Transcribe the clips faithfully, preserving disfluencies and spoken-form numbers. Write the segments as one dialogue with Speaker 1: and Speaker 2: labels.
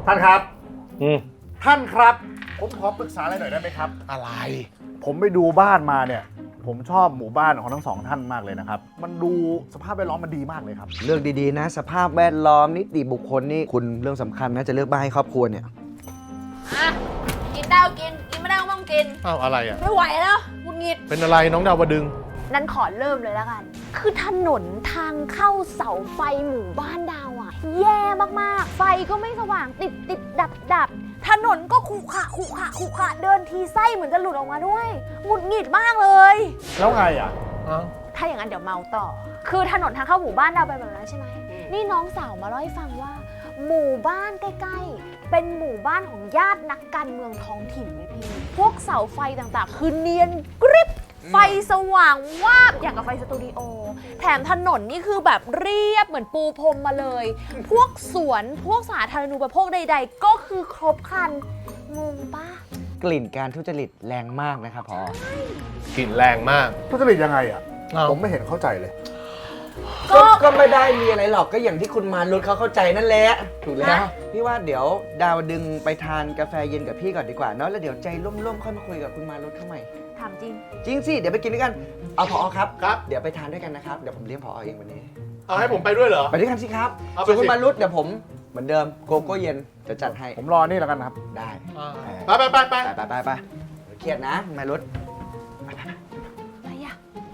Speaker 1: ท่านครับ
Speaker 2: อืม
Speaker 1: ท่านครับผมขอปรึกษาอะไรหน่อยได้ไหมครับ
Speaker 2: อะไร
Speaker 1: ผมไปดูบ้านมาเนี่ยผมชอบหมู่บ้านของทั้งสองท่านมากเลยนะครับมันดูสภาพแวดล้อมมันดีมากเลยครับ
Speaker 3: เลือกดีๆนะสภาพแวดล้อมนิติบุคคลนี่คุณเรื่องสำคัญนะจะเลือกบ้านให้ครอบครัวเนี่ย
Speaker 4: อ่ะกินได้ก็กินกินไม่ได้ก็ไม่ต้องกิน
Speaker 2: อ้าวอะไรอ่ะ
Speaker 4: ไม่ไหวแล้วหงุดหงิด
Speaker 2: เป็นอะไรน้องดาวดึง
Speaker 4: นั้นขอเริ่มเลยแล้วกัน คือถนนทางเข้าเสาไฟหมู่บ้านดาวอ่ะแย่มากๆไฟก็ไม่สว่างติดติดดับดับถนนก็ขรุขระขรุขระขรุขระเดินทีไส้เหมือนจะหลุดออกมาด้วยหงุดหงิดมากเลย
Speaker 1: แล้วไงอ่ะ
Speaker 4: ถ้าอย่างนั้นเดี๋ยวเมาต่อ คือถนนทางเข้าหมู่บ้านดาวเป็นแบบนั้นใช่ไหมนี่น้องสาวมาเล่าให้ฟังว่า หมู่บ้านใกล้ๆเป็นหมู่บ้านของญาตินักการเมืองท้องถิ่นเลยพี่พวกเสาไฟต่างๆคือเนียนกริบไฟสว่างวาบอย่างกับไฟสตูดิโอแถมถนนนี่คือแบบเรียบเหมือนปูพรมมาเลย พวกสวนพวกสาธารณูปโภคใดๆก็คือครบครันงงปะ
Speaker 3: กลิ่นการทุจริตแรงมากนะครับพ
Speaker 2: อกลิ่นแรงมาก
Speaker 1: ทุจริตยังไงอ่ะผมไม่เห็นเข้าใจเลย
Speaker 3: ก็ก็ไม่ได้มีอะไรหรอกก็อย่างที่คุณมารุตเขาเข้าใจนั่นแหละถูกแล้วพี่ว่าเดี๋ยวดาวดึงไปทานกาแฟเย็นกับพี่ก่อนดีกว่าเนาะแล้วเดี๋ยวใจร่มๆค่อยมาคุยกับคุณมารุตเข้าใหม่
Speaker 4: ถามจริง
Speaker 3: จริงสิเดี๋ยวไปกินด้วยกันเอาผอครับ
Speaker 2: ครับ
Speaker 3: เดี๋ยวไปทานด้วยกันนะครับเดี๋ยวผมเลี้ยงผอเองวันนี้
Speaker 2: เอาให้ผมไปด้วยเหรอ
Speaker 3: ไปด้วยกันสิครับส่วนคุณมารุตเดี๋ยวผมเหมือนเดิมโกโก้เย็นจะจัดให้
Speaker 1: ผมรอนี่แล้วกันครับ
Speaker 3: ได้
Speaker 2: ไปไปไปไป
Speaker 3: ไปไปไปเครียดนะมารุต
Speaker 4: อะไรอ่ะ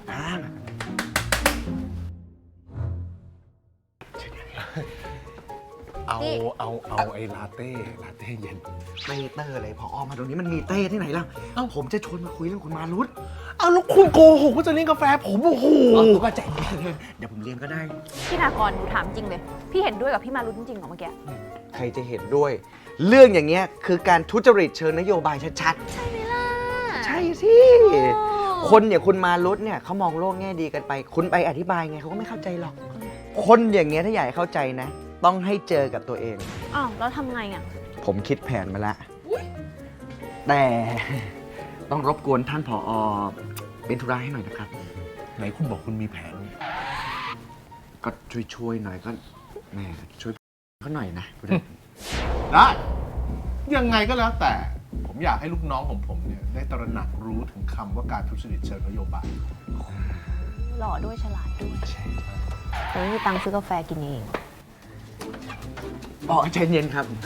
Speaker 2: เอาเอาเอาไอ้ลาเต้ลาเต้เย็น
Speaker 3: เต้เตอร์อะไรพออมาตรงนี้มันมีเต้ที่ไหนล่ะเอ้าผมจะชวนมาคุยเรื่องคุณมารุต
Speaker 2: เอาแล้วคุณโกหกว่าจะเลี้ยงกาแฟผมโอ้โห
Speaker 3: ก็ใจเดี๋ยวผมเลี้ยงก็ได้
Speaker 4: พี่นากรหนูถามจริงเลยพี่เห็นด้วยกับพี่มารุตจริงๆเหรอเมื่อกี้
Speaker 3: ใครจะเห็นด้วยเรื่องอย่างเงี้ยคือการทุจริตเชิงนโยบายชัด
Speaker 4: ๆใช่ไหมล่ะ
Speaker 3: ใช่สิคนอย่างคุณมารุตเนี่ยเขามองโลกแง่ดีกันไปคุณไปอธิบายไงเขาก็ไม่เข้าใจหรอกคนอย่างเงี้ยถ้าอยากให้เข้าใจนะต้องให้เจอกับตัวเอง
Speaker 4: อ้าวแล้วทำไงอ่ะ
Speaker 3: ผมคิดแผนมาแล้วแต่ต้องรบกวนท่านผอ.เป็นธุระให้หน่อยนะครับ
Speaker 2: ไหนคุณบอกคุณมีแผน
Speaker 3: ก็ช่วยๆหน่อยก็แม่ช่วยเขาหน่อยนะ
Speaker 2: ได้ยังไงก็แล้วแต่ผมอยากให้ลูกน้องของผมเนี่ยได้ตระหนักรู้ถึงคำว่าการทุจริตเชิงนโยบาย
Speaker 4: หล่อด้วยฉลาดด้วยแต่ไม่มีตังค์ซื้อกาแฟกินเอง
Speaker 3: อ๋อใจเย็นครับ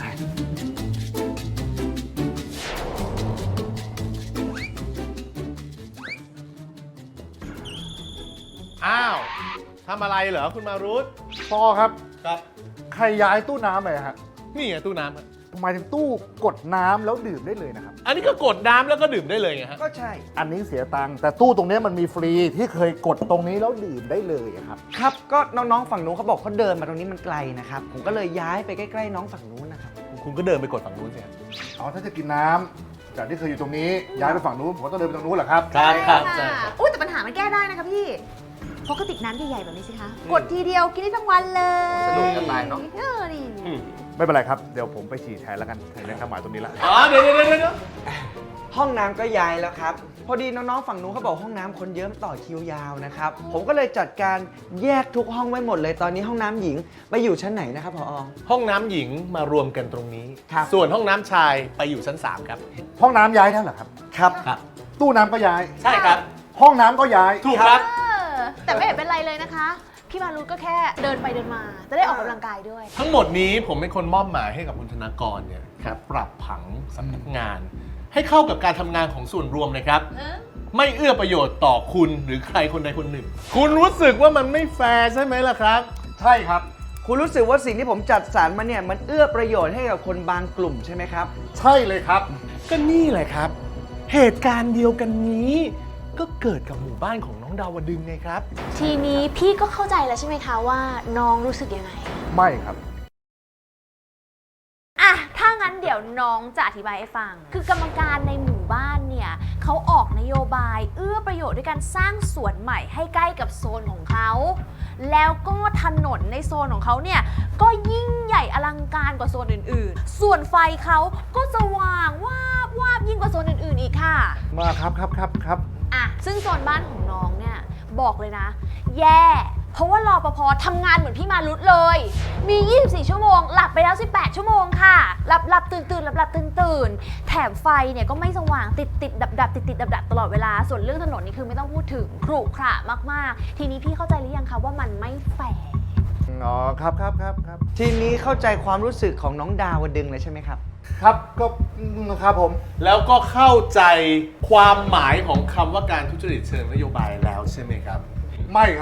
Speaker 2: อ้าวทำอะไรเหรอคุณมารุต
Speaker 1: พ่อครับ
Speaker 2: ครับ
Speaker 1: ใครย้ายตู้น้ำไปฮะ
Speaker 2: นี่ไงตู้น้ำ
Speaker 1: ทำไมถึงตู้กดน้ำแล้วดื่มได้เลยนะครับ
Speaker 2: อันนี้ก็กดน้ำแล้วก็ดื่มได้เลยไงฮะ
Speaker 3: ก็ใช่
Speaker 1: อันนี้เสียตังค์แต่ตู้ตรงนี้มันมีฟรีที่เคยกดตรงนี้แล้วดื่มได้เลยครับ
Speaker 3: ครับก็น้องๆฝั่งนู้นเขาบอกเขาเดินมาตรงนี้มันไกลนะครับผมก็เลยย้ายไปใกล้ๆน้องฝั่งนู้นนะครับ
Speaker 2: คุณก็เดินไปกดฝั่งนู้นสิ
Speaker 1: อ๋อถ้าจะกินน้ำจากที่เคยอยู่ตรงนี้ย้ายไปฝั่งนู้นผมก็ต้องเดินไปตรงนู้นเหรอครับ
Speaker 2: ครับครับใช่
Speaker 4: อุ้ยแต่ปัญหามันแก้ได้นะคะพี่พกกระติกน้ำใหญ่ๆแบบนี้สิคะกดทีเดียวกินได้ทั้งวันเลย
Speaker 3: สะดวกสบายเนาะ
Speaker 4: เออดี
Speaker 1: ไม่เป็นไรครับเดี๋ยวผมไปฉี่แทนแล้วกันเห็นข้าวหมายตรงนี้ละ
Speaker 2: อ๋อเดี๋ยวเดี๋ยวเดี๋ยว
Speaker 3: ห้องน้ำก็ย้ายแล้วครับพอดีน้องๆฝั่งนู้นเขาบอกห้องน้ำคนเยอะต่อคิวยาวนะครับผมก็เลยจัดการแยกทุกห้องไว้หมดเลยตอนนี้ห้องน้ำหญิงไปอยู่ชั้นไหนนะครับผอ.
Speaker 2: ห้องน้ำหญิงมารวมกันตรงนี้
Speaker 3: ครับ
Speaker 2: ส่วนห้องน้ำชายไปอยู่ชั้นสามครับ
Speaker 1: ห้องน้ำย้ายแล้วเหรอครับ
Speaker 3: ครับ
Speaker 1: ตู้น้ำก็ย้าย
Speaker 2: ใช่ครับ
Speaker 1: ห้องน้ำก็ย้าย
Speaker 2: ถูกครับ
Speaker 4: แต่ไม่เห็นเป็นไรเลยนะคะพี่มารุตก็แค่เดินไปเดินมาจะได้ออกกำลังกายด้วย
Speaker 2: ทั้งหมดนี้ผมเป็นคนมอบหมายให้กับคุณธนากรเนี่ยครับปรับผังสำนักงานให้เข้ากับการทำงานของส่วนรวมนะครับไม่เอื้อประโยชน์ต่อคุณหรือใครคนใดคนหนึ่งคุณรู้สึกว่ามันไม่แฟร์ใช่ไหมล่ะครับ
Speaker 1: ใช่ครับ
Speaker 3: คุณรู้สึกว่าสิ่งที่ผมจัดสรรมาเนี่ยมันเอื้อประโยชน์ให้กับคนบางกลุ่มใช่ไหมครับ
Speaker 1: ใช่เลยครับ
Speaker 2: ก็นี่แหละครับเหตุการณ์เดียวกันนี้ก็เกิดกับหมู่บ้านของน้องดาวดึงไงครับ
Speaker 4: ทีนี้พี่ก็เข้าใจแล้วใช่ไหมคะว่าน้องรู้สึกยังไง
Speaker 1: ไม่ครับ
Speaker 4: อ่ะถ้างั้นเดี๋ยวน้องจะอธิบายให้ฟังคือกรรมการในหมู่บ้านเนี่ยเขาออกนโยบายเอื้อประโยชน์ด้วยการสร้างสวนใหม่ให้ใกล้กับโซนของเขาแล้วก็ถนนในโซนของเขาเนี่ยก็ยิ่งใหญ่อลังการกว่าโซนอื่นๆส่วนไฟเขาก็สว่างวาบวาบยิ่งกว่าโซนอื่นๆอีกค่ะ
Speaker 1: มาครับครับครับครับ
Speaker 4: อ่ะซึ่งโซนบ้านของน้องเนี่ยบอกเลยนะแย่พราะว่ารปภทำงานเหมือนพี่มารุตเลย มี ยี่สิบสี่ ชั่วโมง หลับไปแล้ว สิบแปด ชั่วโมงค่ะ หลับหลับตื่นตื่นหลับหลับตื่นตื่นแถมไฟเนี่ยก็ไม่สว่างติดติดดับดับติดติดดับดับตลอดเวลา ส่วนเรื่องถนนนี่คือไม่ต้องพูดถึงขรุขระมากๆ ทีนี้พี่เข้าใจหรือยังคะว่ามันไม่แฟร์
Speaker 1: อ๋อครับครับครับครับ
Speaker 3: ทีนี้เข้าใจความรู้สึกของน้องดาวดึงเลยใช่ไหมครับ
Speaker 1: ครับก็อืมครับผม
Speaker 2: แล้วก็เข้าใจความหมายของคำว่าการทุจริตเชิงนโยบายแล้วใช่ไหมครับ
Speaker 1: ไม่ครับ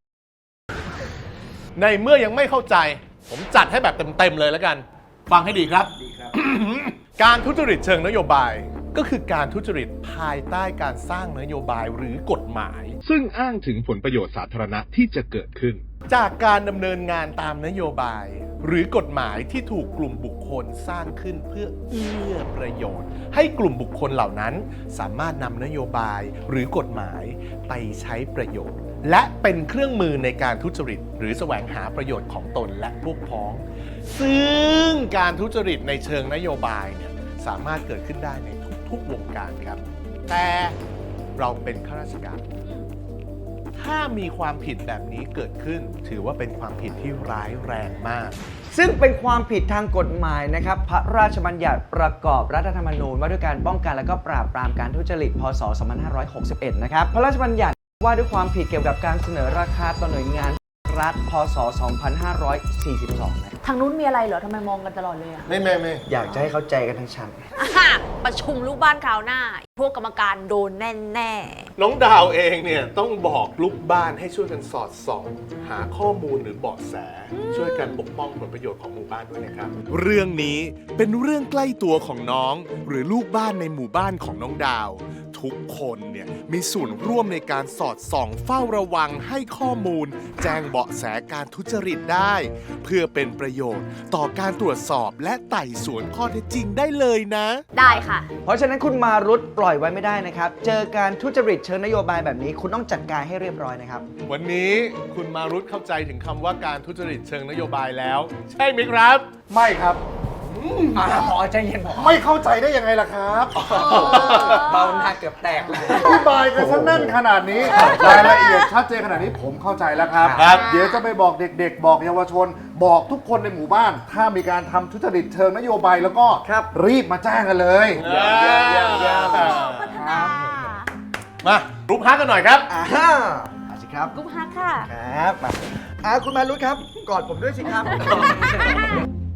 Speaker 2: ในเมื่อยังไม่เข้าใจ ผมจัดให้แบบเต็มๆเลยแล้วกัน ฟังให้ดีครับ การทุจริตเชิงนโยบาย ก็คือการทุจริตภายใต้การสร้างนโยบายหรือกฎหมาย
Speaker 5: ซึ่งอ้างถึงผลประโยชน์สาธารณะที่จะเกิดขึ้น
Speaker 2: จากการดำเนินงานตามนโยบาย หรือกฎหมายที่ถูกกลุ่มบุคคลสร้างขึ้นเพื่อเอื้อประโยชน์ ให้กลุ่มบุคคลเหล่านั้น สามารถนำนโยบายหรือกฎหมายไปใช้ประโยชน์ และเป็นเครื่องมือในการทุจริต หรือแสวงหาประโยชน์ของตนและพวกพ้อง ซึ่งการทุจริตในเชิงนโยบายเนี่ยสามารถเกิดขึ้นได้ในทุกๆวงการครับ แต่เราเป็นข้าราชการ ถ้ามีความผิดแบบนี้เกิดขึ้น ถือว่าเป็นความผิดที่ร้ายแรงมาก
Speaker 3: ซึ่งเป็นความผิดทางกฎหมายนะครับ พระราชบัญญัติประกอบรัฐธรรมนูญว่าด้วยการป้องกันและก็ปราบปรามการทุจริต พ.ศ. สองพันห้าร้อยหกสิบเอ็ด นะครับ พระราชบัญญัติว่าด้วยความผิดเกี่ยวกับการเสนอราคาต่อหน่วยงานรัฐ พ.ศ. สองพันห้าร้อยสี่สิบสอง นะครับ
Speaker 4: ทางนู้นมีอะไรเหรอทำไมมองกันตลอดเลยอะ
Speaker 2: ไม่ไม่ไม่
Speaker 3: อยากจะให้เข้าใจกันทั้งชั้น
Speaker 4: อ่ะประชุมลูกบ้านคราวหน้า พวกกรรมการโดนแน่ๆ
Speaker 2: น้องดาวเองเนี่ยต้องบอกลูกบ้านให้ช่วยกันสอดส่อง หาข้อมูลหรือเบาะแส ช่วยกันปกป้องผลประโยชน์ของหมู่บ้านด้วยนะครับ
Speaker 6: เรื่องนี้เป็นเรื่องใกล้ตัวของน้อง หรือลูกบ้านในหมู่บ้านของน้องดาว ทุกคนเนี่ยมีส่วนร่วมในการสอดส่องเฝ้าระวังให้ข้อมูล แจ้งเบาะแสการทุจริตได้ เพื่อเป็นประโยชน์ต่อการตรวจสอบและไต่สวนข้อเท็จจริงได้เลยนะ
Speaker 4: ได้ค่ะ
Speaker 3: เพราะฉะนั้นคุณมารุตปล่อยไว้ไม่ได้นะครับ เจอการทุจริตเชิงนโยบายแบบนี้ คุณต้องจัดการให้เรียบร้อยนะครับ
Speaker 2: วันนี้คุณมารุตเข้าใจถึงคำว่าการทุจริตเชิงนโยบายแล้ว ใช่ไหมครับ
Speaker 1: ไม่ครับ
Speaker 3: พอใจเย็นพอ
Speaker 1: ไม่เข้าใจได้ยังไงล่ะครับ
Speaker 3: เบาหน้าเกือบแตกเลย
Speaker 1: อธิบายกันซะแน่นขนาดนี้รายละเอียดชัดเจนขนาดนี้ผมเข้าใจแล้วครับ
Speaker 2: ครับ
Speaker 1: เดี๋ยวจะไปบอกเด็กๆ บอกเยาวชน บอกทุกคนในหมู่บ้าน ถ้ามีการทำทุจริตเชิงนโยบายแล้วก็
Speaker 3: ครับ
Speaker 1: รีบมาแจ้งกันเลย
Speaker 4: พัฒนา
Speaker 2: มารูปฮักกันหน่อยครับ
Speaker 3: อ่ามาสิครับ
Speaker 4: กุ๊บฮักค่ะ
Speaker 3: ครับมาอ่าคุณมารุตครับ กอดผมด้วยสิครับ